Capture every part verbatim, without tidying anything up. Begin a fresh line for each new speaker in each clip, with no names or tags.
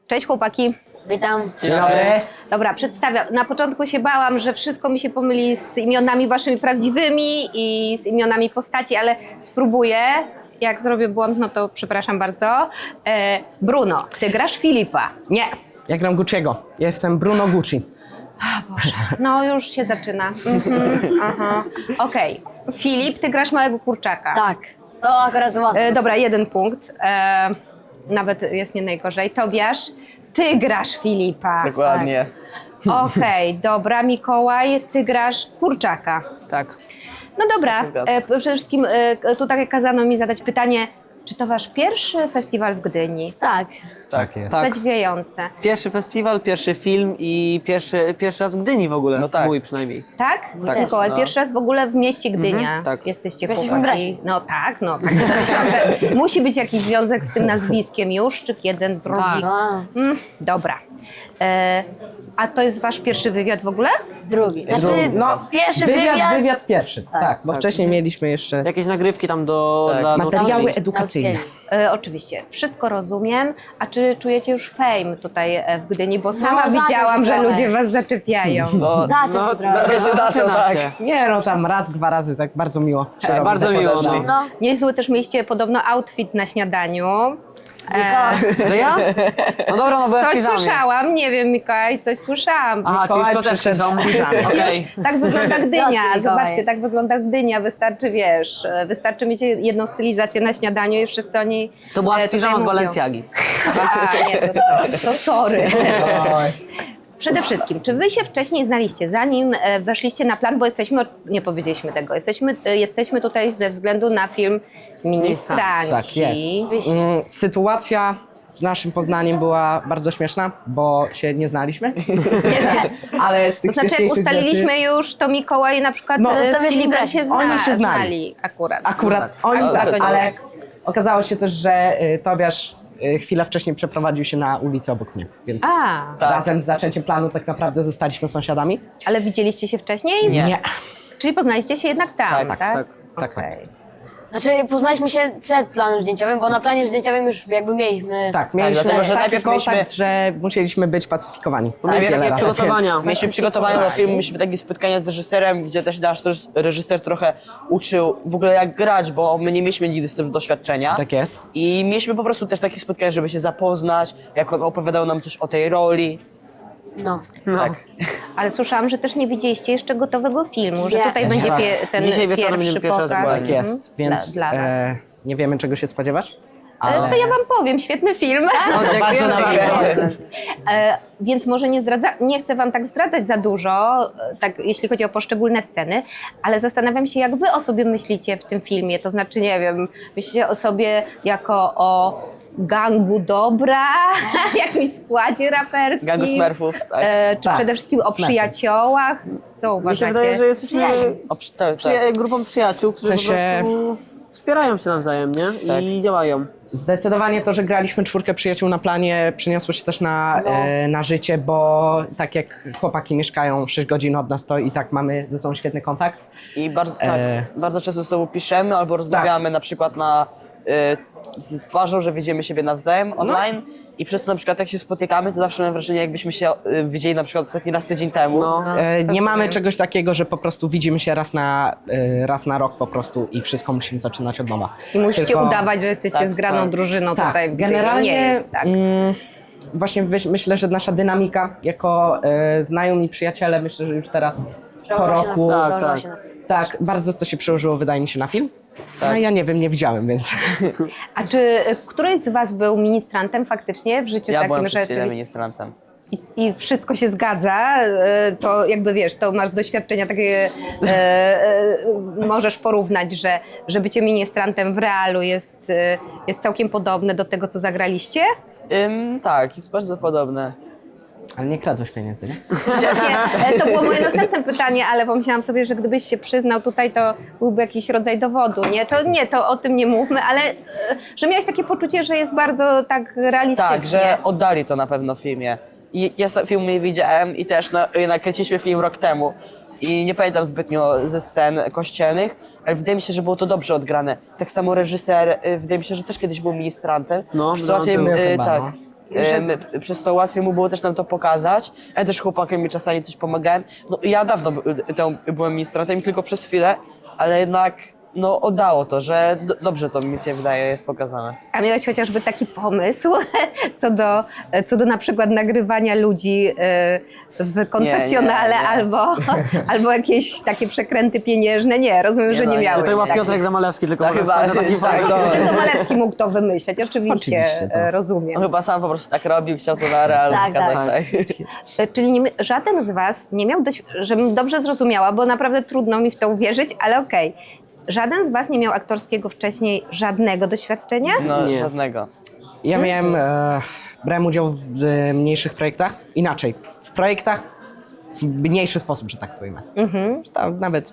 Cześć chłopaki.
Witam.
Dzień dobry.
Dobra, przedstawiam. Na początku się bałam, że wszystko mi się pomyli z imionami waszymi prawdziwymi i z imionami postaci, ale spróbuję. Jak zrobię błąd, no to przepraszam bardzo. E, Bruno, ty grasz Filipa.
Nie, ja gram Gucci'ego. Jestem Bruno Gucci.
A Boże, no już się zaczyna. Mhm, aha. Okej, Filip, ty grasz małego kurczaka.
Tak, to akurat łatwo.
E, dobra, jeden punkt. E, nawet jest nie najgorzej. Tobiasz, ty grasz Filipa.
Dokładnie.
Okej, dobra, Mikołaj, ty grasz kurczaka.
Tak.
No dobra,
się zgadza.
e, przede wszystkim e, tutaj kazano mi zadać pytanie, czy to wasz pierwszy festiwal w Gdyni?
Tak.
Tak jest.
Tak.
Zadziwiające.
Pierwszy festiwal, pierwszy film i pierwszy, pierwszy raz w Gdyni w ogóle.
No tak.
Mój przynajmniej.
Tak?
Tak.
Mikołaj,
No.
pierwszy raz w ogóle w mieście Gdynia
tak.
jesteście
Jesteśmy
chłopaki.
braćmi.
No tak, no. Tak się domyślałam, że musi być jakiś związek z tym nazwiskiem już, czy jeden, drugi.
Tak.
A,
Mm, dobra. E, a to jest wasz pierwszy wywiad w ogóle?
drugi. Znaczy,
No,
pierwszy
wywiad,
wywiad.
wywiad pierwszy. Tak, bo wcześniej mieliśmy jeszcze
Jakieś nagrywki tam do...
Tak.
Dla
materiały
nauczycieli.
edukacyjne.
E, oczywiście, wszystko rozumiem. A czy czujecie już fame tutaj e, w Gdyni? Bo sama
zaczął
widziałam,
się
że
trochę.
ludzie was zaczepiają.
No,
Zaczął się trochę.
trochę się zaczął,
zaczyna
tak.
się.
Nie no, tam raz, dwa razy, tak bardzo miło. się
Tak,
robi,
bardzo
tak
miło,
podeszli.
no.
No,
Niezły też mieliście podobno outfit na śniadaniu. E,
Że ja? No dobra, no bo ja w
coś
piżamie.
słyszałam, nie wiem Mikołaj, coś słyszałam.
Aha, czyli
Mikołaj
to też
przyszedł
są.
w piżamie.
Okej.
Tak wygląda Gdynia,
Mikołaj.
zobaczcie, tak wygląda Gdynia, wystarczy, wiesz, e, wystarczy mieć jedną stylizację na śniadaniu i wszyscy o niej
To była
e, tutaj
piżama z
mówią.
Balenciagi.
A, nie, to sorry. To sorry.
Oj.
Przede wszystkim, czy wy się wcześniej znaliście, zanim e, weszliście na plan, bo jesteśmy, nie powiedzieliśmy tego, jesteśmy, e, jesteśmy tutaj ze względu na film Ministranci.
Tak jest. Mm, Sytuacja z naszym Poznaniem była bardzo śmieszna, bo się nie znaliśmy. Ale z tych
To znaczy, jak
śmieszniejszych
ustaliliśmy
rzeczy-
już, to Mikołaj na przykład
No,
e,
to
z
wiesz,
Filipem
braci.
się, zna,
Oni się znali.
akurat.
Akurat oni,
Akurat oni.
ale okazało się też, że y, Tobiasz y, chwilę wcześniej przeprowadził się na ulicę obok mnie, więc
A,
Tak.
razem z zaczęciem planu tak naprawdę zostaliśmy sąsiadami.
ale widzieliście się wcześniej?
Nie.
Czyli poznaliście się jednak tam, tak?
Tak,
tak, tak, tak.
Okej.
znaczy poznaliśmy się przed planem zdjęciowym, bo na planie zdjęciowym już jakby mieliśmy.
Tak, mieliśmy
dlatego, że
taki
najpierw
kontakt,
mieliśmy-
że musieliśmy być pacyfikowani.
Bo mieliśmy
Wiele
takie
razy,
przygotowania.
Mieliśmy przygotowania do filmu, mieliśmy takie spotkania z reżyserem, gdzie też nasz też reżyser trochę uczył w ogóle jak grać, bo my nie mieliśmy nigdy z tym doświadczenia.
Tak jest.
I mieliśmy po prostu też takie spotkania, żeby się zapoznać, jak on opowiadał nam coś o tej roli.
No.
Tak.
Ale słyszałam, że też nie widzieliście jeszcze gotowego filmu, że
Nie.
tutaj będzie
Tak.
pie, ten
Dzisiaj wieczorem
pierwszy
będziemy pierwszy raz
pokaz.
zobaczyć.
Tak jest,
Mhm.
więc
Dla, dla was.
e, nie wiemy czego się spodziewać.
E, To ja wam powiem, świetny film.
No,
bardzo
dziękujemy
nam
bardzo.
miło.
E, więc może nie zdradza, nie chcę wam tak zdradzać za dużo, e, tak, jeśli chodzi o poszczególne sceny, ale zastanawiam się, jak wy o sobie myślicie w tym filmie. To znaczy, nie wiem, myślicie o sobie jako o gangu dobra, jakimś składzie raperskim.
Gangu Smurfów, tak.
E, czy
Tak,
przede wszystkim o
Smurfy.
przyjaciołach? Co
Mi się
uważacie?
wydaje, że jesteśmy
O, przy- tak, tak.
przyja- grupą przyjaciół, którzy
W sensie-
po prostu wspierają się nawzajem, nie?
Tak.
I działają.
Zdecydowanie to, że graliśmy czwórkę przyjaciół na planie, przyniosło się też na, e, na życie, bo tak jak chłopaki mieszkają sześć godzin od nas, to i tak mamy ze sobą świetny kontakt.
I bardzo, tak,
E.
bardzo często ze sobą piszemy albo rozmawiamy na przykład na, y, z twarzą, że widzimy siebie nawzajem online. I przez to na przykład jak się spotykamy, to zawsze mam wrażenie, jakbyśmy się y, widzieli na przykład ostatni raz tydzień temu.
No.
E, nie mamy czegoś takiego, że po prostu widzimy się raz na, e, raz na rok po prostu i wszystko musimy zaczynać od nowa.
I musicie
Tylko-
udawać, że jesteście
tak,
zgraną
tak.
drużyną
Tak,
tutaj w Gdyni.
generalnie
Nie jest tak.
mm, właśnie wyś- myślę, że nasza dynamika jako e, znajomi przyjaciele, myślę, że już teraz po roku,
Tak,
Przełożyła
tak.
się na-
tak, bardzo to się przełożyło wydaje mi się na film. No ja nie wiem, nie widziałem, więc
A czy y, któryś z was był ministrantem faktycznie w życiu
Ja
takim,
byłem
że
przez chwilę
rzeczywiście-
ministrantem.
I, I wszystko się zgadza, y, to jakby wiesz, to masz z doświadczenia takie, y, y, możesz porównać, że, że bycie ministrantem w realu jest, y, jest całkiem podobne do tego, co zagraliście?
Ym, tak, jest bardzo podobne.
ale nie kradłeś pieniędzy, nie?
Właśnie, e, to było moje następne pytanie, ale pomyślałam sobie, że gdybyś się przyznał tutaj, to byłby jakiś rodzaj dowodu, nie? To nie, to o tym nie mówmy, ale e, że miałeś takie poczucie, że jest bardzo tak realistycznie.
Tak, że oddali to na pewno w filmie. I ja sam filmu nie widziałem i też no, nakręciliśmy film rok temu. I nie pamiętam zbytnio ze scen kościelnych, ale wydaje mi się, że było to dobrze odgrane. Tak samo reżyser, y, wydaje mi się, że też kiedyś był ministrantem.
No,
Przesyłał
no,
film,
był
y,
chyba,
tak.
no.
E, my, przez to łatwiej mu było też nam to pokazać. Ja też chłopakom mi czasami coś pomagałem. No ja dawno by- temu byłem ministrantem i tylko przez chwilę, ale jednak no oddało to, że do, dobrze to mi się wydaje jest pokazane.
A miałeś chociażby taki pomysł co do, co do na przykład nagrywania ludzi y, w konfesjonale
nie, nie.
albo, albo jakieś takie przekręty pieniężne? Nie, rozumiem,
Nie,
że
no,
nie
nie.
miałeś.
To chyba
takich.
Piotrek Zamalewski tylko
Tak,
może
chyba,
składa taki
tak,
pomysł.
to-
Tylko Malewski mógł to wymyśleć, oczywiście,
Oczywiście, tak.
e, rozumiem.
On chyba sam po prostu tak robił, chciał to na real
Tak,
pokazać.
tak.
Tak.
E, Czyli nie, żaden z was nie miał, dość, żebym dobrze zrozumiała, bo naprawdę trudno mi w to uwierzyć, ale okej. Żaden z was nie miał aktorskiego wcześniej żadnego doświadczenia?
No
Nie.
żadnego.
Ja miałem, e, brałem udział w e, mniejszych projektach, inaczej, w projektach w mniejszy sposób, że tak to ujmę. Że tam nawet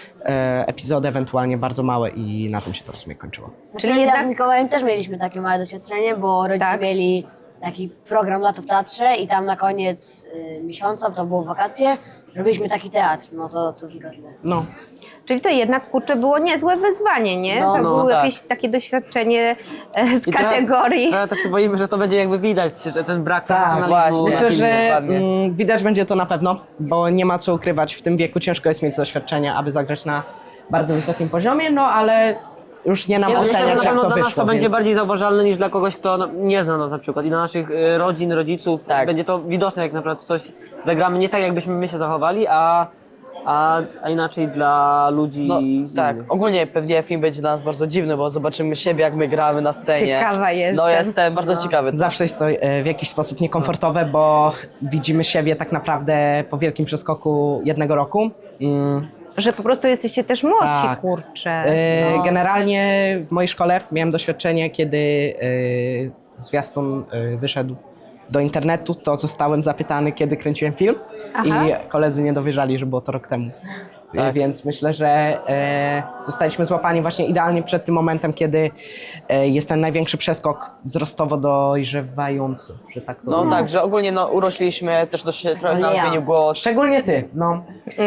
e, epizody ewentualnie bardzo małe i na tym się to w sumie kończyło.
Czyli
Czyli ja
jednak-
z Mikołajem też mieliśmy takie małe doświadczenie, bo rodzice
Tak.
mieli taki program Lato w Teatrze i tam na koniec y, miesiąca, to było wakacje, robiliśmy taki teatr, no to, to tylko tyle.
No,
Czyli to jednak, kurczę, było niezłe wyzwanie, nie?
No,
to
no,
było
tak.
jakieś takie doświadczenie e, z
I trochę-
kategorii...
Trochę też się boimy, że to będzie jakby widać, że ten brak
tak,
profesjonalizmu.
właśnie.
myślę, że
dokładnie.
mm, widać będzie to na pewno, bo nie ma co ukrywać, w tym wieku ciężko jest mieć doświadczenie, aby zagrać na bardzo wysokim poziomie, no ale już nie nam
Ja myślę, że
oceniać,
na
jak
pewno
to
dla nas
wyszło.
to będzie
więc-
bardziej zauważalne niż dla kogoś, kto no, nie zna nas na przykład. I dla naszych y, rodzin, rodziców
Tak.
będzie to widoczne, jak na przykład coś zagramy nie tak, jakbyśmy my się zachowali, a, a, a inaczej dla ludzi
No
innych.
tak, ogólnie pewnie film będzie dla nas bardzo dziwny, bo zobaczymy siebie, jak my gramy na scenie.
Ciekawa jestem.
No jestem bardzo ciekawy.
Zawsze jest to e, w jakiś sposób niekomfortowe, bo widzimy siebie tak naprawdę po wielkim przeskoku jednego roku. Mm,
Że po prostu jesteście też młodsi,
Tak.
kurczę.
e,
No.
Generalnie w mojej szkole miałem doświadczenie, kiedy e, zwiastun e, wyszedł do internetu, to zostałem zapytany, kiedy kręciłem film
Aha.
i koledzy nie dowierzali, że było to rok temu. E,
Tak.
Więc myślę, że e, zostaliśmy złapani właśnie idealnie przed tym momentem, kiedy e, jest ten największy przeskok wzrostowo dojrzewający, że tak to
No
ujmę.
tak, że ogólnie no, urośliśmy, też dość, trochę nam
ja.
zmienił głos.
Szczególnie ty, no.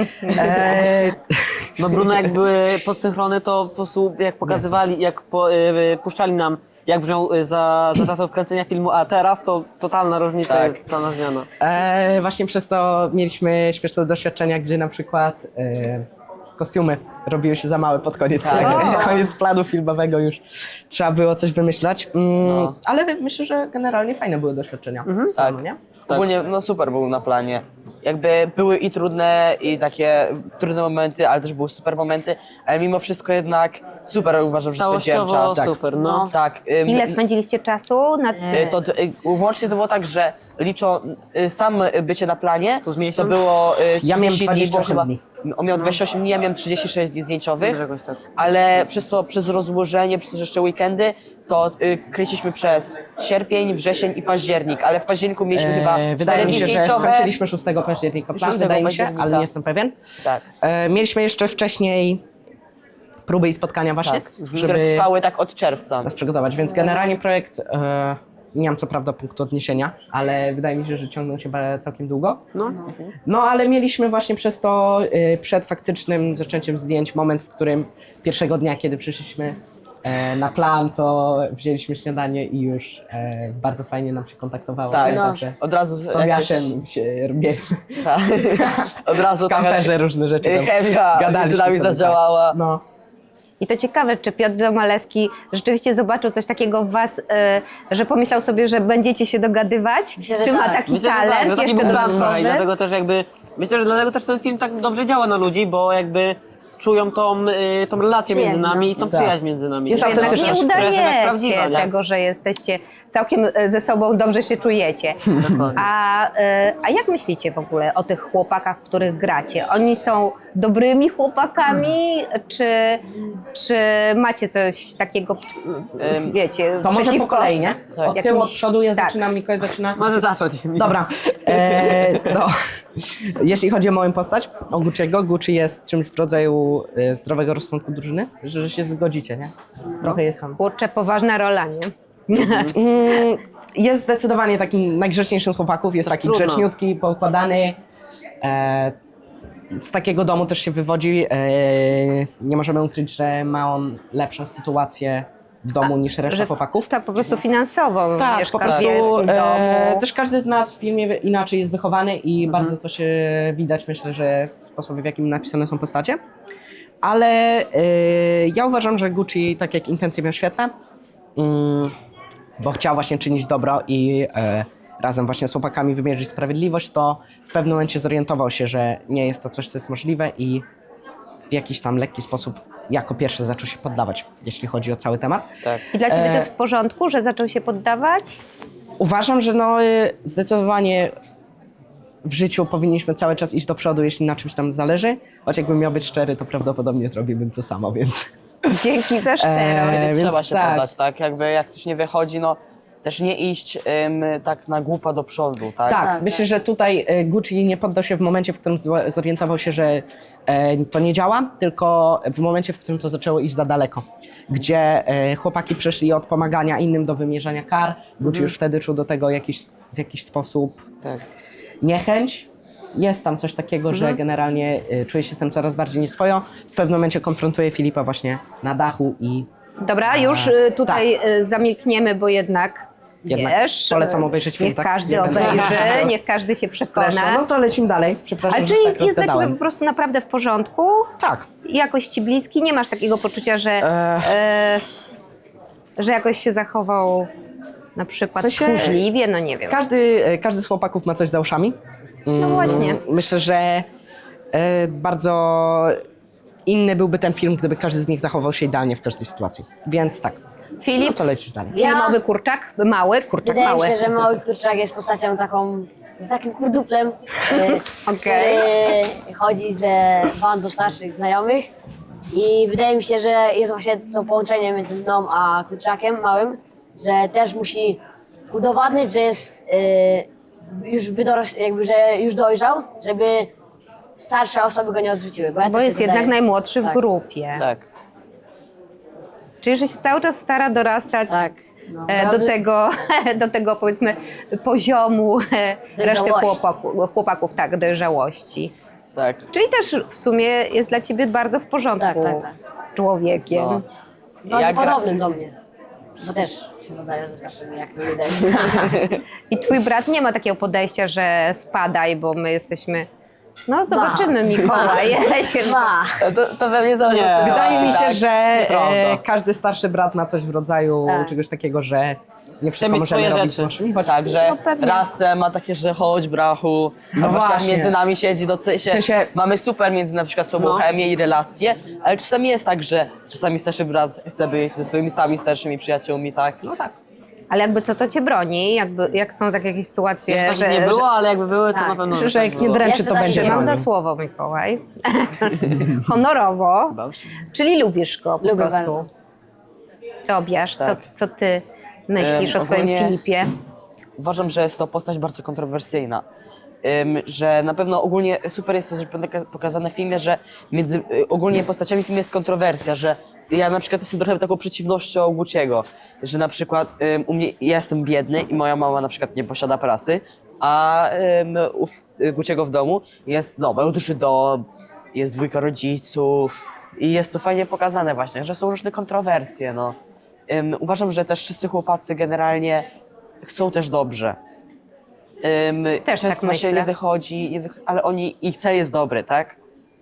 E,
No Bruno, jak były podsynchrony, to po prostu jak pokazywali, jak po, y, puszczali nam, jak brzmiał y, za, za czasów kręcenia filmu, a teraz to totalna różnica,
Tak.
jest, totalna zmiana.
e, właśnie przez to mieliśmy śmieszne doświadczenia, gdzie na przykład e, kostiumy robiły się za małe pod koniec,
Tak.
koniec planu filmowego już. Trzeba było coś wymyślać. Mm,
No.
Ale myślę, że generalnie fajne były doświadczenia. z
Tak.
planu, nie?
Ogólnie no super był na planie. Jakby były i trudne, i takie trudne momenty, ale też były super momenty, ale mimo wszystko jednak super uważam, że spędziłem
Całościowo
czas.
super, no.
Tak. ym,
Ile spędziliście czasu na...
Y, To, to y, łącznie to było tak, że liczą y, sam bycie na planie,
To z
to
miesiąc?
było y,
Ja miałem
trzydzieści dni,
dwadzieścia
bo
osiem
chyba,
dni.
on miał dwadzieścia osiem dni, ja miałem trzydzieści sześć dni zdjęciowych,
Jakoś tak.
ale przez to, przez rozłożenie, przez jeszcze weekendy, to y, kręciliśmy przez sierpień, wrzesień i październik, ale w październiku mieliśmy chyba
E,
cztery
wydaje mi
dni
się, że
zdjęciowe.
skończyliśmy szóstego października plan,
szóstego
wydaje mi się, ale
października.
nie jestem pewien.
Tak.
E, mieliśmy jeszcze wcześniej próby i spotkania właśnie,
Tak, które
żeby
trwały tak od czerwca.
nas przygotować, więc generalnie projekt, e, nie mam co prawda punktu odniesienia, ale wydaje mi się, że ciągnął się ba- całkiem długo.
No.
No ale mieliśmy właśnie przez to y, przed faktycznym zaczęciem zdjęć moment, w którym pierwszego dnia, kiedy przyszliśmy e, na plan, to wzięliśmy śniadanie i już e, bardzo fajnie nam się kontaktowało.
Tak,
Pamiętam,
no.
że
Od razu
z
z-
Tobiaszem się robię
Tak. Od razu
w kamperze różne rzeczy tam
chemia
gadaliśmy
między nami
sobie,
zadziałała.
Tak. No.
I to ciekawe, czy Piotr Domalewski rzeczywiście zobaczył coś takiego w was, e, że pomyślał sobie, że będziecie się dogadywać?
Myślę, że
czy ma
tak.
taki
Myślę, że
talent
tak, że taki
jeszcze
był plan,
dodatkowy?
i dlatego też jakby, myślę, że dlatego też ten film tak dobrze działa na ludzi, bo jakby czują tą, y, tą relację między
Przyjaźń,
nami i tą
Tak.
przyjaźń między nami.
Jest
To
Jednak
autentyczna.
nie
to jest jednak prawdziwa,
udajecie
nie?
tego, że jesteście całkiem e, ze sobą dobrze się czujecie.
Dokładnie.
A, e, a jak myślicie w ogóle o tych chłopakach, których gracie? Oni są dobrymi chłopakami, czy, czy macie coś takiego,
Ym,
wiecie,
To może po
przeciwko
kolei, nie?
Tak.
Od tyłu, od
jakimś-
przodu ja
tak.
zaczynam, Mikołaj zaczyna.
Może zacząć.
Dobra, e, no, jeśli chodzi o moją postać, o Gucci'ego, Gucci jest czymś w rodzaju e, zdrowego rozsądku drużyny, że, że się zgodzicie, nie? Trochę jest tam.
Kurczę, poważna rola, nie?
Mm, jest zdecydowanie takim najgrzeczniejszym z chłopaków, jest taki
trudno.
grzeczniutki, poukładany. E, z takiego domu też się wywodzi. E, nie możemy ukryć, że ma on lepszą sytuację w domu niż reszta
Że w-
chłopaków.
Tak, po prostu finansowo.
Tak,
mieszka
po
w
prostu
wielkim
e,
domu.
też każdy z nas w filmie inaczej jest wychowany i
Mhm.
bardzo to się widać, myślę, że w sposobie, w jakim napisane są postacie. Ale e, ja uważam, że Gucci, tak jak intencje miał świetne, mm, bo chciał właśnie czynić dobro i e, razem właśnie z chłopakami wymierzyć sprawiedliwość, to w pewnym momencie zorientował się, że nie jest to coś, co jest możliwe i w jakiś tam lekki sposób jako pierwszy zaczął się poddawać, jeśli chodzi o cały temat.
Tak.
I dla ciebie to
E,
jest w porządku, że zaczął się poddawać?
Uważam, że no y, zdecydowanie w życiu powinniśmy cały czas iść do przodu, jeśli na czymś tam zależy. Choć jakbym miał być szczery, to prawdopodobnie zrobiłbym to samo, więc...
Dzięki za szczerość.
E,
Kiedy
więc
trzeba się
tak.
poddać, tak? Jakby jak coś nie wychodzi, no też nie iść ym, tak na głupa do przodu, tak?
Tak,
tak,
myślę, że tutaj y, Gucci nie poddał się w momencie, w którym zło- zorientował się, że e, to nie działa, tylko w momencie, w którym to zaczęło iść za daleko. Gdzie e, chłopaki przeszli od pomagania innym do wymierzania kar. Gucci już wtedy czuł do tego jakiś, w jakiś sposób
Tak.
niechęć. Jest tam coś takiego, że generalnie y, czuje się z tym coraz bardziej nieswojo. W pewnym momencie konfrontuje Filipa właśnie na dachu i
Dobra, już y, tutaj y, zamilkniemy, bo jednak,
Jednak
wiesz...
polecam
y,
obejrzeć film,
Niech
tak?
każdy
Nie będę
obejrzy,
teraz
niech każdy się
stresu.
przekona.
No to lecimy dalej. Przepraszam,
Ale
że
czyli
tak
jest dla ciebie
rozgadałem.
po prostu naprawdę w porządku?
Tak.
Jakoś ci bliski? Nie masz takiego poczucia, że, e, że jakoś się zachował na przykład
W sensie-
tchórzliwie? No nie wiem.
Każdy, e, każdy z chłopaków ma coś za uszami.
No właśnie.
Myślę, że e, bardzo inny byłby ten film, gdyby każdy z nich zachował się idealnie w każdej sytuacji. Więc tak. No
Filip,
to lecisz dalej.
Ja-
filmowy kurczak? Mały, kurczak
Wydaje
mały.
mi się, że mały kurczak jest postacią taką, z takim kurduplem, e,
Okej.
który chodzi ze bandą starszych znajomych i wydaje mi się, że jest właśnie to połączenie między mną a kurczakiem małym, że też musi udowadniać, że jest e, już wydoroś, jakby, że już dojrzał, żeby starsze osoby go nie odrzuciły. Bo, ja
Bo
też się
jest jednak
wydaje-
najmłodszy w
tak,
grupie.
Tak.
Czyli, że się cały czas stara dorastać
Tak. No,
e, do,
naprawdę-
tego, do tego, powiedzmy, poziomu e, reszty
Dojrzałości.
chłopaków, chłopaków, tak, dojrzałości.
Tak.
Czyli też w sumie jest dla ciebie bardzo w porządku
Tak, tak, tak.
człowiekiem.
No.
Bardzo
Ja gra-
podobnym do mnie. Bo też się zadaje ze starszymi, jak to widać.
I twój brat nie ma takiego podejścia, że spadaj, bo my jesteśmy... No zobaczymy, Mikołaj. Się-
Ma.
To, to we mnie zależy
Nie.
od
Wydaje mi się,
tak.
że
nieprawda.
e, każdy starszy brat ma coś w rodzaju
Tak.
czegoś takiego, że nie wszystko
mieć
możemy
swoje
robić
rzeczy.
z naszymi. Choć
Tak, że
No pewnie.
rasę ma takie, że chodź brachu,
No
no właśnie jak
właśnie.
między nami siedzi, do się,
W sensie-
mamy super między na przykład sobą
No.
chemię i relacje, ale czasami jest tak, że czasami starszy brat chce być ze swoimi sami starszymi przyjaciółmi, tak?
No tak.
Ale jakby co to cię broni? Jakby, jak są takie jakieś sytuacje,
Jeszcze takich
że...
nie było, ale jakby były, to
Tak.
na pewno
Myślę,
by
że
tak
jak nie
było.
dręczy,
Jeszcze
to
tak
będzie
nie
Mam
bronił.
za słowo, Mikołaj. Honorowo.
Dobrze.
Czyli lubisz go po
Lubię
prostu.
bardzo.
Tobiasz,
Tak.
co, co ty myślisz
Em,
o swoim
ogólnie-
Filipie?
Uważam, że jest to postać bardzo kontrowersyjna. Ym, że na pewno ogólnie super jest to, że poka- pokazane w filmie, że między y, ogólnie postaciami w filmie jest kontrowersja, że ja na przykład jestem trochę taką przeciwnością Guciego, że na przykład ym, u mnie ja jestem biedny i moja mama na przykład nie posiada pracy, a ym, u w- Guciego w domu jest no, mają duży dom, jest dwójka rodziców i jest to fajnie pokazane właśnie, że są różne kontrowersje, no. Ym, uważam, że też wszyscy chłopacy generalnie chcą też dobrze. Ym,
Też
często
tak
właśnie
myślę.
nie wychodzi, nie wych- ale oni, ich cel jest dobry, tak?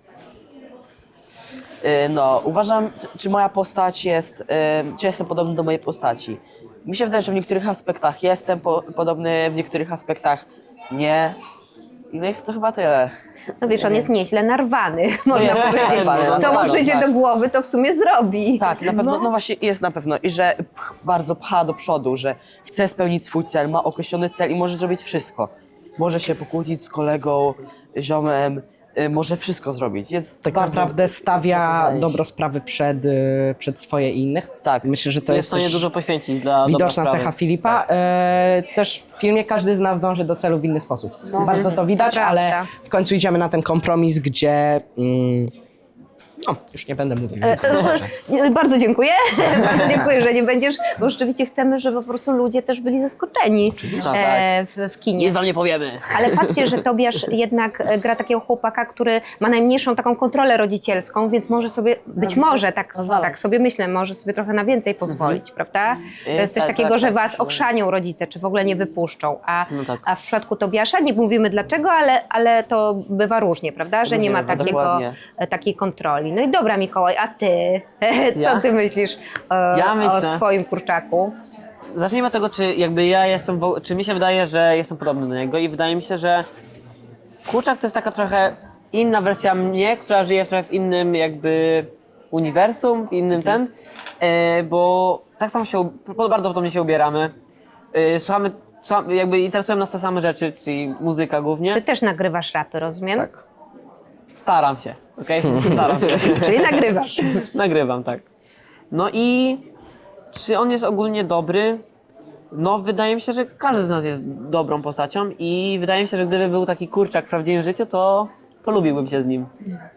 Yy, no, uważam, czy- czy moja postać jest, ym, czy jestem podobny do mojej postaci. Mi się wydaje, że w niektórych aspektach jestem po, podobny, w niektórych aspektach nie. No i to chyba tyle.
No wiesz, on jest nieźle narwany, można
jest
powiedzieć.
narwany,
Co mu
narwany,
przyjdzie
tak.
do głowy, to w sumie zrobi.
Tak, na pewno, no, właśnie jest na pewno i że pch, bardzo pcha do przodu, że chce spełnić swój cel, ma określony cel i może zrobić wszystko. Może się pokłócić z kolegą, ziomem, y, może wszystko zrobić. Jest
Tak
bardzo-
naprawdę stawia
pokazane.
dobro sprawy przed, y, przed swoje i innych.
Tak.
Myślę, że to
To
jest
jest w stanie
też
dużo poświęcić dla dobra
widoczna
sprawy.
cecha Filipa. E, też w filmie każdy z nas dąży do celu w inny sposób. Bardzo to widać,
Prawda.
ale w końcu idziemy na ten kompromis, gdzie mm, No, już nie będę mówił.
E,
Więc
e,
dobrze.
e, Bardzo dziękuję. Bardzo dziękuję, że nie będziesz, bo rzeczywiście chcemy, żeby po prostu ludzie też byli zaskoczeni e, w, w kinie.
Nic wam nie powiemy.
Ale patrzcie, że Tobiasz jednak e, gra takiego chłopaka, który ma najmniejszą taką kontrolę rodzicielską, więc może sobie, być może, tak,
pozwala.
tak sobie myślę, może sobie trochę na więcej pozwolić, prawda? To jest coś
tak,
takiego,
tak,
że
tak,
was
tak.
okrzanią rodzice, czy w ogóle nie wypuszczą. A,
No tak.
a w przypadku Tobiasza nie mówimy dlaczego, ale, ale to bywa różnie, prawda? Że nie
Różnie
ma
bywa,
takiego,
dokładnie.
e, takiej kontroli. No i dobra, Mikołaj, a ty? Co
Ja?
ty myślisz e,
Ja
o
myślę-
swoim kurczaku?
Zacznijmy od tego, czy jakby ja jestem, wo- czy mi się wydaje, że jestem podobny do niego i wydaje mi się, że kurczak to jest taka trochę inna wersja mnie, która żyje trochę w innym jakby uniwersum, w innym ten, e, bo tak samo się, u- bardzo podobnie się ubieramy, e, słuchamy, słuchamy, jakby interesują nas te same rzeczy, czyli muzyka głównie.
Ty też nagrywasz rapy, rozumiem?
Tak.
Staram się, okej? Staram się.
Czyli nagrywasz.
Nagrywam, tak. No i czy on jest ogólnie dobry? No, wydaje mi się, że każdy z nas jest dobrą postacią i wydaje mi się, że gdyby był taki kurczak w prawdziwym życiu, to polubiłbym się z nim.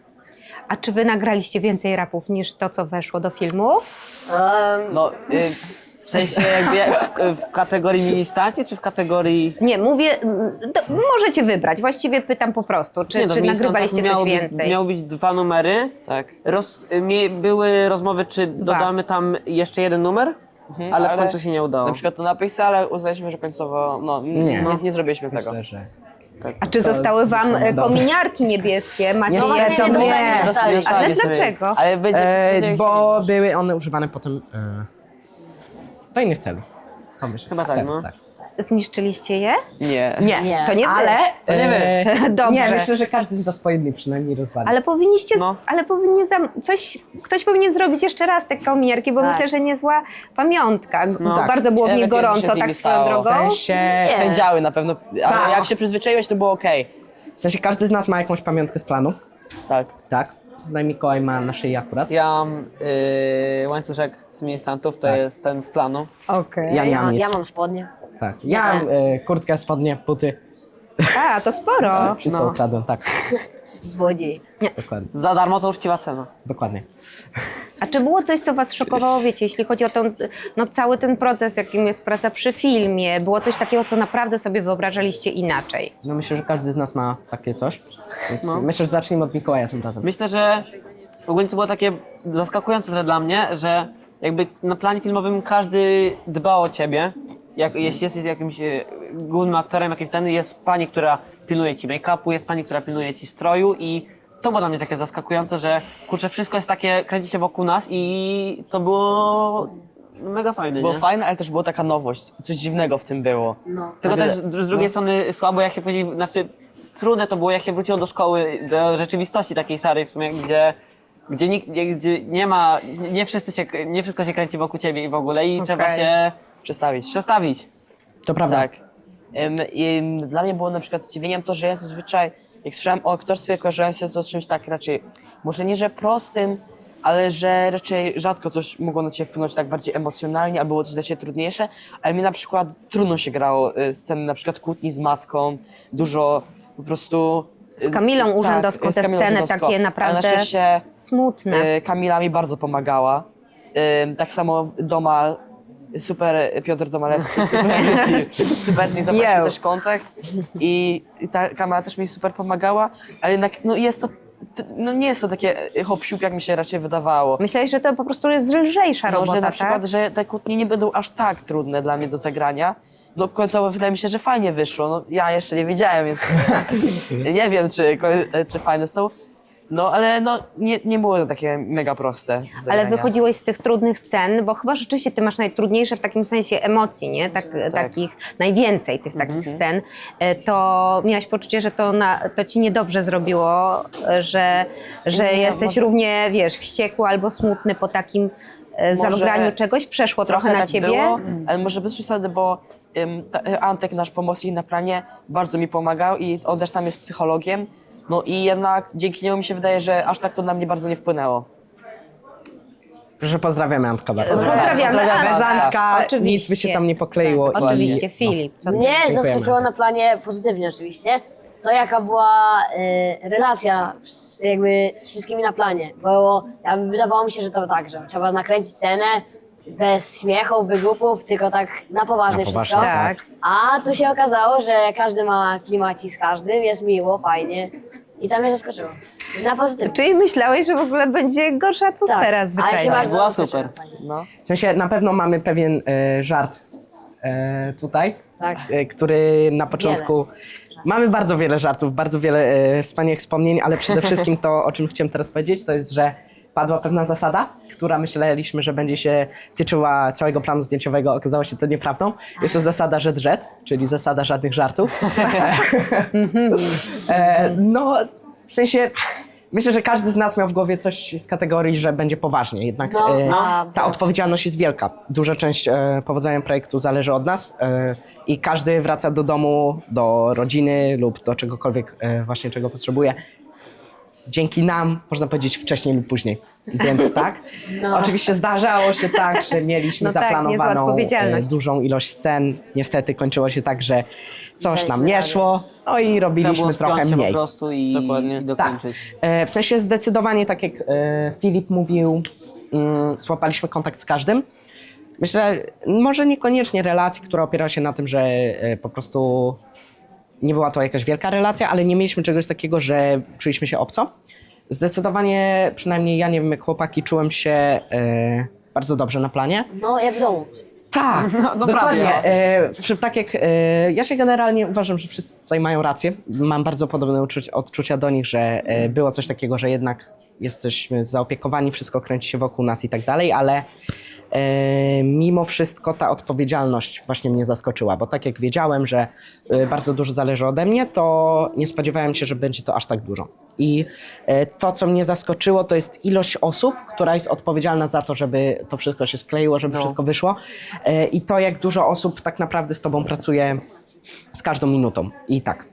A czy wy nagraliście więcej rapów niż to, co weszło do filmu?
Um,
No, y,
W sensie jakby jak w, w kategorii ministaci, czy w kategorii...
Nie, mówię, mm, do, możecie wybrać. Właściwie pytam po prostu, czy,
Nie, no, w
czy
ministrantach
nagrywaliście coś
miało być-
więcej?
Miało być dwa numery.
tak.
Roz, mie, były rozmowy, czy dodamy tam jeszcze jeden numer, ale w
ale
końcu się nie udało.
Na przykład to napisy, ale uznaliśmy, że końcowo, no, nie, nie, nie zrobiliśmy tego.
Myślę, że...
A czy zostały wam e,
Dobra.
kominiarki niebieskie? Macie
Nie,
no
je?
właśnie
to
nie dostali,
nie.
nie dostali.
Dostali,
Ale
dostali.
dlaczego?
Ale będzie,
E,
będziemy
bo
chcieli-
były one używane potem e, do innych celów. To myślę.
Chyba tak,
Celów,
no.
tak.
Zniszczyliście je?
Nie.
Nie,
Nie.
To nie wy.
ale...
To nie wy.
e,
Dobrze.
Nie, myślę, że każdy z nas po jednej przynajmniej rozwali.
Ale powinniście,
No.
ale powinien zam, coś, ktoś powinien zrobić jeszcze raz te kominiarki, bo
Tak.
myślę, że niezła pamiątka.
No.
Tak.
Bardzo było w
Ja
nich
wiem, co się
gorąco,
z nimi
tak swoją
stało.
w
drogą.
sensie...
Nie.
Sędziały na pewno, ale
Tak.
jak się przyzwyczaiłeś, to było okej.
W sensie każdy z nas ma jakąś pamiątkę z planu.
Tak.
Tak. No i Mikołaj ma na szyi akurat.
Ja mam yy, łańcuszek z ministrantów, to
Tak.
jest ten z planu.
Okej.
Ja nie mam
ja,
nic.
ja mam spodnie.
Tak. Ja mam e, kurtkę, spodnie, buty.
A, to sporo.
Wszystko
No.
ukradłem, tak.
Złodziej.
Dokładnie.
Za darmo to uczciwa cena.
Dokładnie.
A czy było coś, co was szokowało, wiecie, jeśli chodzi o ten, no, cały ten proces, jakim jest praca przy filmie? Było coś takiego, co naprawdę sobie wyobrażaliście inaczej?
No myślę, że każdy z nas ma takie coś. Więc
No.
myślę, że zacznijmy od Mikołaja tym razem.
Myślę, że ogólnie to było takie zaskakujące trochę dla mnie, że jakby na planie filmowym każdy dba o ciebie. Jak, jeśli jesteś jakimś e, głównym aktorem, jakimś ten, jest pani, która pilnuje ci make-upu, jest pani, która pilnuje ci stroju i to było dla mnie takie zaskakujące, że kurczę, wszystko jest takie, kręci się wokół nas i to było mega fajne,
Było
nie?
fajne, ale też była taka nowość. Coś dziwnego w tym było.
No.
Tylko
Nagle-
też z z drugiej strony słabo, jak się później, znaczy trudne to było, jak się wróciło do szkoły, do rzeczywistości takiej szarej w sumie, gdzie, gdzie, nikt, gdzie, gdzie nie ma, nie wszyscy się, nie wszystko się kręci wokół ciebie i w ogóle i
Okej.
trzeba się
Przestawić.
przestawić.
To prawda.
Tak. Ym, i dla mnie było na przykład zdziwieniem to, że ja zazwyczaj, jak słyszałem o aktorstwie, kojarzyłem się to z czymś tak raczej, może nie, że prostym, ale że raczej rzadko coś mogło na ciebie wpłynąć tak bardziej emocjonalnie, albo było coś dla ciebie trudniejsze, ale mi na przykład trudno się grało y, sceny na przykład kłótni z matką, dużo po prostu... y,
Z Kamilą Urzędowską
tak, z
te
Kamilą
sceny
Urzędowską.
takie
Ale
naprawdę
na szczęście
smutne.
y, Kamila mi bardzo pomagała. Y, tak samo Domal, super Piotr Domalewski, super, super z nim zaprosił
Yo.
też kontakt i, i ta Kamila też mi super pomagała, ale jednak no jest to, t- no nie jest to takie hop siup, jak mi się raczej wydawało.
Myślałeś, że to po prostu jest lżejsza
No,
robota,
że na
tak?
przykład, że te kłótnie nie będą aż tak trudne dla mnie do zagrania. No końcowo wydaje mi się, że fajnie wyszło. No, ja jeszcze nie wiedziałem, więc nie wiem, czy, czy fajne są. No ale no, nie, nie było to takie mega proste do
Ale
zagrania.
wychodziłeś z tych trudnych scen, bo chyba rzeczywiście ty masz najtrudniejsze w takim sensie emocji, nie? Tak, Takich, najwięcej tych takich
Mhm.
scen. E, To miałaś poczucie, że to, na, to ci niedobrze zrobiło, e, że, że
Nie,
jesteś
może-
równie, wiesz, wściekły albo smutny po takim e,
Może
zagraniu czegoś? Przeszło trochę,
Trochę
na
tak
ciebie?
było, ale może bez przesady, bo ym, ta, Antek, nasz pomocnik na planie, bardzo mi pomagał i on też sam jest psychologiem. No i jednak dzięki niemu mi się wydaje, że aż tak to na mnie bardzo nie wpłynęło.
Proszę, pozdrawiamy Antka bardzo.
Pozdrawiamy
Pozdrawiamy
Bez
Antka.
Antka
Oczywiście.
nic by się tam nie pokleiło. i-
Oczywiście,
no.
Filip. Co ty?
Mnie
Dziękujemy.
zaskoczyło na planie pozytywnie oczywiście, to jaka była e, relacja z, jakby z wszystkimi na planie. Bo ja, wydawało mi się, że to tak, że trzeba nakręcić scenę bez śmiechu, wygłupów, tylko tak na poważnie
Na poważnie,
wszystko.
tak.
A tu się okazało, że każdy ma klimacik z każdym, jest miło, fajnie. I to mnie zaskoczyło. Na pozytywnie.
Czyli myślałeś, że w ogóle będzie gorsza atmosfera
Tak, ale
zwyczajnie.
się bardzo
Była
zaskoczyłem.
super.
No.
W sensie na pewno mamy pewien e, żart e, tutaj,
Tak.
e, który na początku... Mamy bardzo wiele żartów, bardzo wiele e, wspaniałych wspomnień, ale przede wszystkim to, o czym chciałem teraz powiedzieć, to jest, że padła pewna zasada, która myśleliśmy, że będzie się tyczyła całego planu zdjęciowego. Okazało się to nieprawdą. Jest to zasada żet-żet, czyli zasada żadnych żartów. e, no, w sensie... Myślę, że każdy z nas miał w głowie coś z kategorii, że będzie poważnie, jednak
No,
e,
a,
ta odpowiedzialność jest wielka. Duża część e, powodzenia projektu zależy od nas e, i każdy wraca do domu, do rodziny lub do czegokolwiek e, właśnie czego potrzebuje. Dzięki nam, można powiedzieć, wcześniej lub później. Więc tak.
No.
Oczywiście zdarzało się tak, że mieliśmy
No tak, niezła
zaplanowaną
odpowiedzialność.
e, dużą ilość scen. Niestety kończyło się tak, że coś nam nie
Daliśmy
szło, no i
Trzeba
robiliśmy
było
trochę
spiąć się po
mniej.
prostu i,
Dokładnie.
i
Tak.
dokończyć.
E, w sensie zdecydowanie, tak jak e, Filip mówił, mm, złapaliśmy kontakt z każdym. Myślę, może niekoniecznie relacji, która opiera się na tym, że e, po prostu nie była to jakaś wielka relacja, ale nie mieliśmy czegoś takiego, że czuliśmy się obco. Zdecydowanie, przynajmniej ja, nie wiem jak chłopaki, czułem się e, bardzo dobrze na planie.
No, jak w domu.
Tak,
no
dokładnie.
prawie.
E, przy- tak jak e, ja się generalnie uważam, że wszyscy tutaj mają rację. Mam bardzo podobne uczuć, odczucia do nich, że e, było coś takiego, że jednak jesteśmy zaopiekowani, wszystko kręci się wokół nas i tak dalej, ale e, mimo wszystko ta odpowiedzialność właśnie mnie zaskoczyła, bo tak jak wiedziałem, że e, bardzo dużo zależy ode mnie, to nie spodziewałem się, że będzie to aż tak dużo. I e, to, co mnie zaskoczyło, to jest ilość osób, która jest odpowiedzialna za to, żeby to wszystko się skleiło, żeby wszystko wyszło. E, I to, jak dużo osób tak naprawdę z tobą pracuje z każdą minutą. I tak.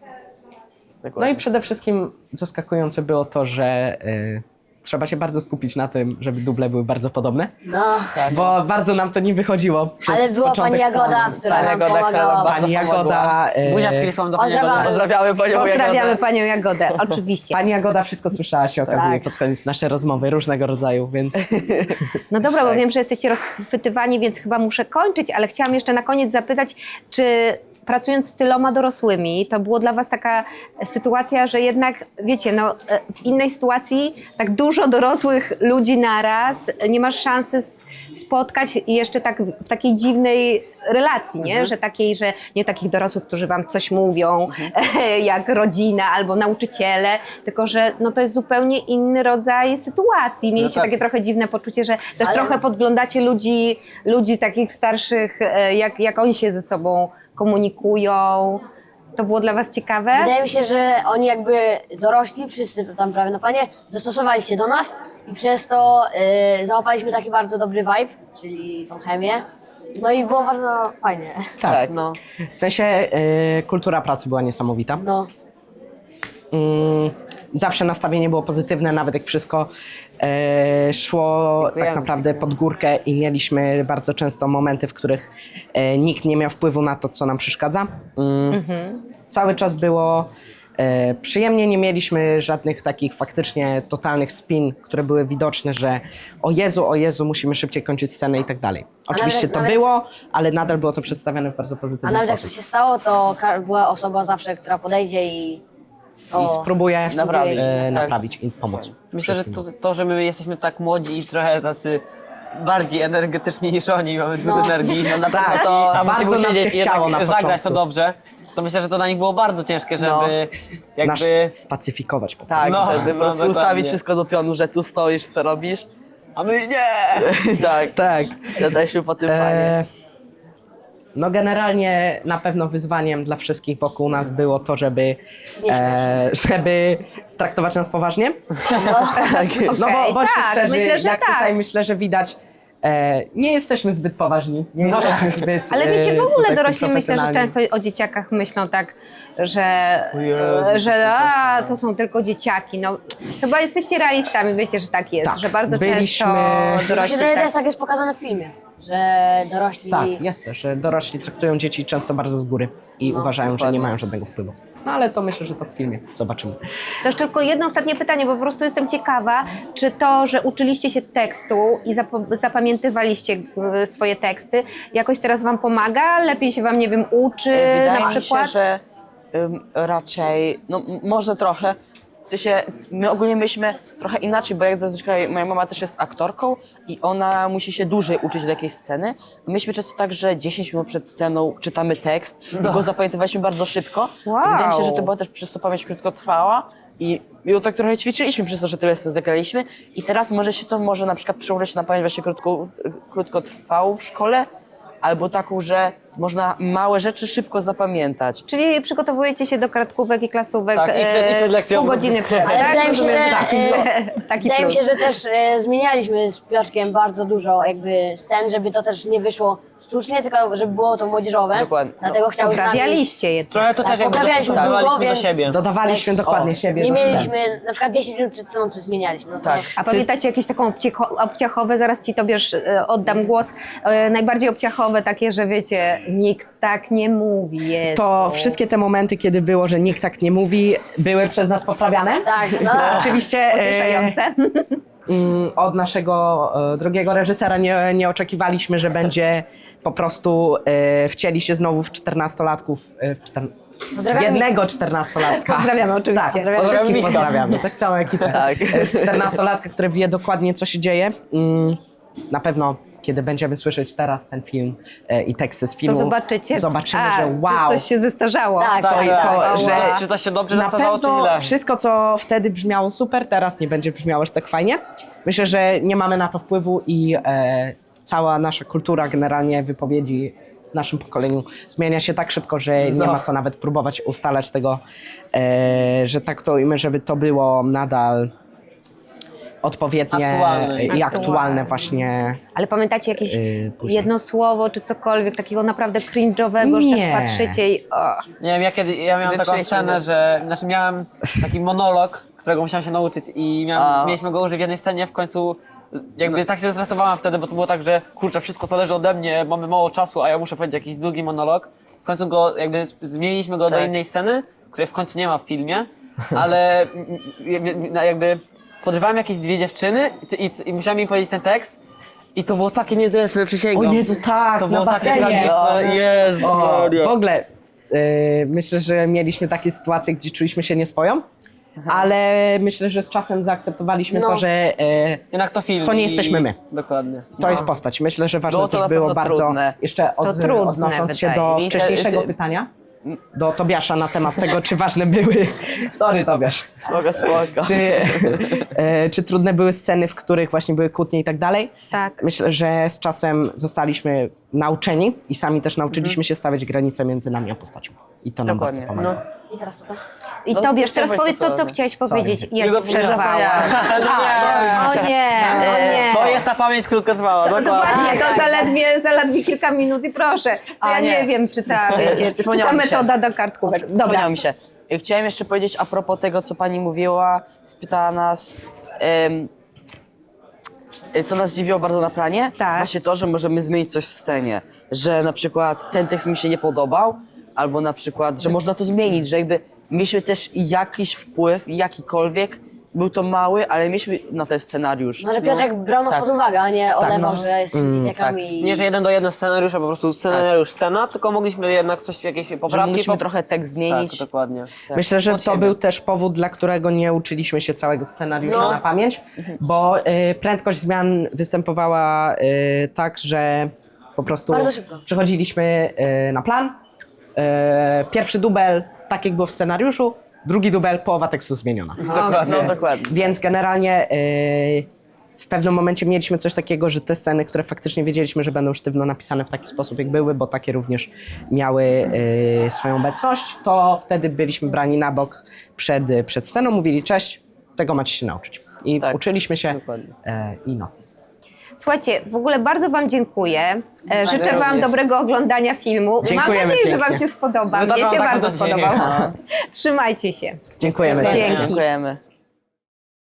No i przede wszystkim zaskakujące było to, że e, trzeba się bardzo skupić na tym, żeby duble były bardzo podobne,
No.
bo bardzo nam to nie wychodziło przez
Ale była
początek
pani Jagoda,
planu.
która
Pani
nam
Jagoda, która
pomagała.
nam bardzo
Pani Jagoda, e,
Buzia w Kirisłam do pani
Pozdrawiamy.
Jagody.
Pozdrawiamy panią
Pozdrawiamy
Jagodę.
panią Jagodę, oczywiście.
Pani Jagoda wszystko słyszała, się okazuje,
Tak.
pod koniec nasze rozmowy różnego rodzaju, więc
No dobra,
Tak.
bo wiem, że jesteście rozchwytywani, więc chyba muszę kończyć, ale chciałam jeszcze na koniec zapytać, czy pracując z tyloma dorosłymi, to było dla was taka sytuacja, że jednak, wiecie, no, w innej sytuacji tak dużo dorosłych ludzi naraz, nie masz szansy s- spotkać i jeszcze tak w takiej dziwnej relacji, nie? Że takiej, że nie takich dorosłych, którzy wam coś mówią, jak rodzina albo nauczyciele, tylko że no, to jest zupełnie inny rodzaj sytuacji. Mieliście
tak.
takie trochę dziwne poczucie, że też
Ale-
trochę podglądacie ludzi, ludzi takich starszych, e, jak, jak oni się ze sobą komunikują. To było dla was ciekawe?
Wydaje mi się, że oni jakby dorośli, wszyscy tam prawie na planie, dostosowali się do nas i przez to y, załapaliśmy taki bardzo dobry vibe, czyli tą chemię. No i było bardzo fajnie.
tak.
No.
W sensie e, kultura pracy była niesamowita.
No,
Mm, zawsze nastawienie było pozytywne, nawet jak wszystko e, szło
Dziękujemy.
tak naprawdę pod górkę i mieliśmy bardzo często momenty, w których e, nikt nie miał wpływu na to, co nam przeszkadza. Mm, Cały czas było e, przyjemnie, nie mieliśmy żadnych takich faktycznie totalnych spin, które były widoczne, że o Jezu, o Jezu, musimy szybciej kończyć scenę i tak dalej. Oczywiście
nawet-
to
nawet-
było, ale nadal było to przedstawione w bardzo
a
pozytywny
nawet jak
sposób.
to się stało, to ka- była osoba zawsze, która podejdzie i to...
I spróbuję
Naprawić.
e,
Tak.
naprawić i pomóc.
Myślę, że
wszystkim.
to, to, że my jesteśmy tak młodzi i trochę tacy bardziej energetyczni niż oni, mamy dużo
No.
energii. No na
Tak,
to, a
bardzo
musimy
nam się
siedzieć i
chciało
jednak
na
zagrać
początku.
to dobrze. To myślę, że to dla nich było bardzo ciężkie, żeby
No.
Nas
jakby...
spacyfikować po prostu.
Tak,
No,
żeby
no,
po prostu
dokładnie.
ustawić wszystko do pionu, że tu stoisz, to robisz.
A my nie!
tak,
Tak.
jesteśmy po tym planie.
E, no generalnie na pewno wyzwaniem dla wszystkich wokół nas było to, żeby,
Nie
e, żeby traktować nas poważnie. No bo
Okej,
bądźmy
tak,
szczerzy,
myślę, że
jak
tak.
tutaj myślę, że widać, e, nie jesteśmy zbyt poważni, nie
No.
jesteśmy zbyt
Ale wiecie, w
e,
ogóle
tutaj
dorośli myślę, że
profesjonalni.
często o dzieciakach myślą tak, że,
Jezu,
że a, to są tylko dzieciaki. No, chyba jesteście realistami, wiecie, że tak jest,
Tak,
że bardzo
byliśmy-
często
Myślę,
dorośli
że to
tak.
jest tak jest pokazane w filmie. że dorośli...
Tak, jest też, że dorośli traktują dzieci często bardzo z góry i uważają, że nie
dokładnie.
mają żadnego wpływu. No ale to myślę, że to w filmie zobaczymy.
To jeszcze tylko jedno ostatnie pytanie, bo po prostu jestem ciekawa, czy to, że uczyliście się tekstu i zap- zapamiętywaliście y, swoje teksty, jakoś teraz wam pomaga? Lepiej się wam, nie wiem, uczy
E, Wydaje
na
mi
przykład?
się, że ym, raczej, no m- może trochę. W sensie, my ogólnie myśmy trochę inaczej, bo jak zazwyczaj moja mama też jest aktorką i ona musi się dłużej uczyć do jakiejś sceny. Myśmy często tak, że dziesięć minut przed sceną czytamy tekst i go zapamiętywaliśmy bardzo szybko.
Wow.
I wydaje mi się, że to była też przez to pamięć krótkotrwała i, i to tak trochę ćwiczyliśmy przez to, że tyle scen zagraliśmy i teraz może się to może na przykład przełożyć na pamięć właśnie krótko, krótkotrwałą w szkole, albo taką, że można małe rzeczy szybko zapamiętać.
Czyli przygotowujecie się do kartkówek i klasówek
Tak, i przed- i przed
e,
lekcją.
pół godziny przed,
Ale
tak?
wydaje mi się,
Rozumiem,
że,
taki,
e,
taki
Wydaje mi
plus.
się, że też e, zmienialiśmy z Piotrkiem bardzo dużo jakby scen, żeby to też nie wyszło sztucznie, tylko żeby było to młodzieżowe.
Dokładnie.
Dlatego chciał z nami...
Poprawialiście je.
Trochę to
Tak,
też jakby
poprawialiśmy
dostosowywaliśmy
długo,
do
więc-
siebie.
Dodawaliśmy
Też-
dokładnie
o,
siebie
Nie
do scen.
mieliśmy, na przykład dziesięć minut przed sceną coś zmienialiśmy. No to
Tak.
A pamiętacie jakieś taką obciecho- obciachowe, zaraz ci Tobiasz e, oddam głos, e, najbardziej obciachowe takie, że wiecie, nikt tak nie mówi. Jezu.
To wszystkie te momenty, kiedy było, że nikt tak nie mówi, były przez nas poprawiane.
Tak, no.
Oczywiście e,
Pocieszające.
mm, od naszego e, drogiego reżysera nie, nie oczekiwaliśmy, że będzie po prostu e, wcieli się znowu w czternastolatków, e, w czter...
Pozdrawiamy
jednego czternastolatka.
Pozdrawiamy oczywiście.
Tak,
Pozdrawiamy
wszystkich
Miśka.
pozdrawiamy, tak całą ekipę.
Tak.
E, czternastolatka, który wie dokładnie, co się dzieje. Mm, na pewno, kiedy będziemy słyszeć teraz ten film e, i teksty z
To
filmu,
zobaczycie,
zobaczymy,
A,
że
czy
wow.
coś się zestarzało.
Tak,
to,
tak,
to,
tak.
że
Wow.
Czy to się dobrze
na
zasadzało, czy
pewno
źle?
wszystko, co wtedy brzmiało super, teraz nie będzie brzmiało aż tak fajnie. Myślę, że nie mamy na to wpływu i e, cała nasza kultura generalnie wypowiedzi w naszym pokoleniu zmienia się tak szybko, że nie
No.
ma co nawet próbować ustalać tego, e, że tak to ujmę, żeby to było nadal odpowiednie
Aktualne.
i aktualne
Aktualne.
właśnie.
Ale pamiętacie jakieś
Yy, później.
jedno słowo, czy cokolwiek takiego naprawdę cringe'owego, że
Nie.
tak patrzycie i o.
Nie wiem, ja, kiedy, ja miałem taką
Zepsuliśmy
scenę,
go.
że znaczy miałem taki monolog, którego musiałem się nauczyć i miałem,
A.
mieliśmy go użyć w jednej scenie, w końcu jakby tak się zestresowałem wtedy, bo to było tak, że kurczę, wszystko zależy ode mnie, mamy mało czasu, a ja muszę powiedzieć jakiś długi monolog. W końcu go jakby z- zmieniliśmy go do
Tak.
innej sceny, której w końcu nie ma w filmie, ale m- m- jakby podrywałem jakieś dwie dziewczyny i, i, i musiałem im powiedzieć ten tekst. I to było takie niezręczne, przysięgam.
O Jezu, tak,
to
na
było takie
basenie.
tragiczne. Jezu,
O,
Maria.
w ogóle y, myślę, że mieliśmy takie sytuacje, gdzie czuliśmy się nieswoją, ale myślę, że z czasem zaakceptowaliśmy
No.
to, że y,
Jednak to film.
To nie
i-
jesteśmy my.
Dokładnie.
to jest postać. Myślę, że ważne
Było to
też
na
było
pewno
bardzo,
trudne.
jeszcze od,
trudne,
odnosząc się
wydaje
do
mi się.
wcześniejszego pytania, do Tobiasza na temat tego, czy ważne były, sorry Tobiasz,
Spoko, spoko.
czy, e, czy trudne były sceny, w których właśnie były kłótnie i tak dalej.
Tak.
Myślę, że z czasem zostaliśmy nauczeni i sami też nauczyliśmy się stawiać granice między nami a postacią. I to nam bardzo
Dokładnie.
pomaga.
I teraz to.
I
No,
Tobiasz,
to
teraz
chciałeś
powiedz
to
to, co
samo.
chciałeś powiedzieć i ja
Nie
ci
zapomniałem.
przerwałam.
No nie.
O nie, o nie.
To jest ta pamięć krótkotrwała, dokładnie.
Dokładnie, to zaledwie, zaledwie kilka minut i proszę. To
A,
ja nie.
nie.
wiem, czy ta, wiecie, czy ta
Przypomniało mi się.
metoda do kartkówek. Dobra.
Przypomniało mi się. Chciałem jeszcze powiedzieć a propos tego, co pani mówiła, spytała nas, em, co nas dziwiło bardzo na planie.
Tak.
Właśnie to, że możemy zmienić coś w scenie. Że na przykład ten tekst mi się nie podobał, albo na przykład, że można to zmienić, że jakby mieliśmy też jakiś wpływ, jakikolwiek, był to mały, ale mieliśmy na ten scenariusz.
Może Piotrek brał nas
Tak.
pod uwagę, a nie olewał,
no.
że jest z dzieciakami.
Nie, że jeden do jeden scenariusza, po prostu scenariusz, scena, tylko mogliśmy jednak coś, jakieś
Że
poprawki...
mogliśmy
pop-
trochę tekst zmienić.
Tak, dokładnie.
Myślę, że
Od
to
siebie.
był też powód, dla którego nie uczyliśmy się całego scenariusza
No.
na pamięć, bo y, prędkość zmian występowała y, tak, że po prostu
Bardzo szybko.
przechodziliśmy y, na plan. Y, pierwszy dubel, tak jak było w scenariuszu, drugi dubel, połowa tekstu zmieniona.
Dokładnie. No, dokładnie.
Więc generalnie y, w pewnym momencie mieliśmy coś takiego, że te sceny, które faktycznie wiedzieliśmy, że będą sztywno napisane w taki sposób, jak były, bo takie również miały y, swoją obecność, to wtedy byliśmy brani na bok przed, przed sceną, mówili cześć, tego macie się nauczyć. I
Tak,
uczyliśmy się
dokładnie.
e, i no.
Słuchajcie, w ogóle bardzo wam dziękuję. E, Życzę wam
również.
dobrego oglądania filmu.
Dziękujemy
Mam nadzieję, że wam
pięknie.
się spodoba.
No
Mnie
tak,
się
tak,
bardzo
mam nadzieję.
spodobał. Trzymajcie się.
Dziękujemy.
Dzięki.
Dziękujemy.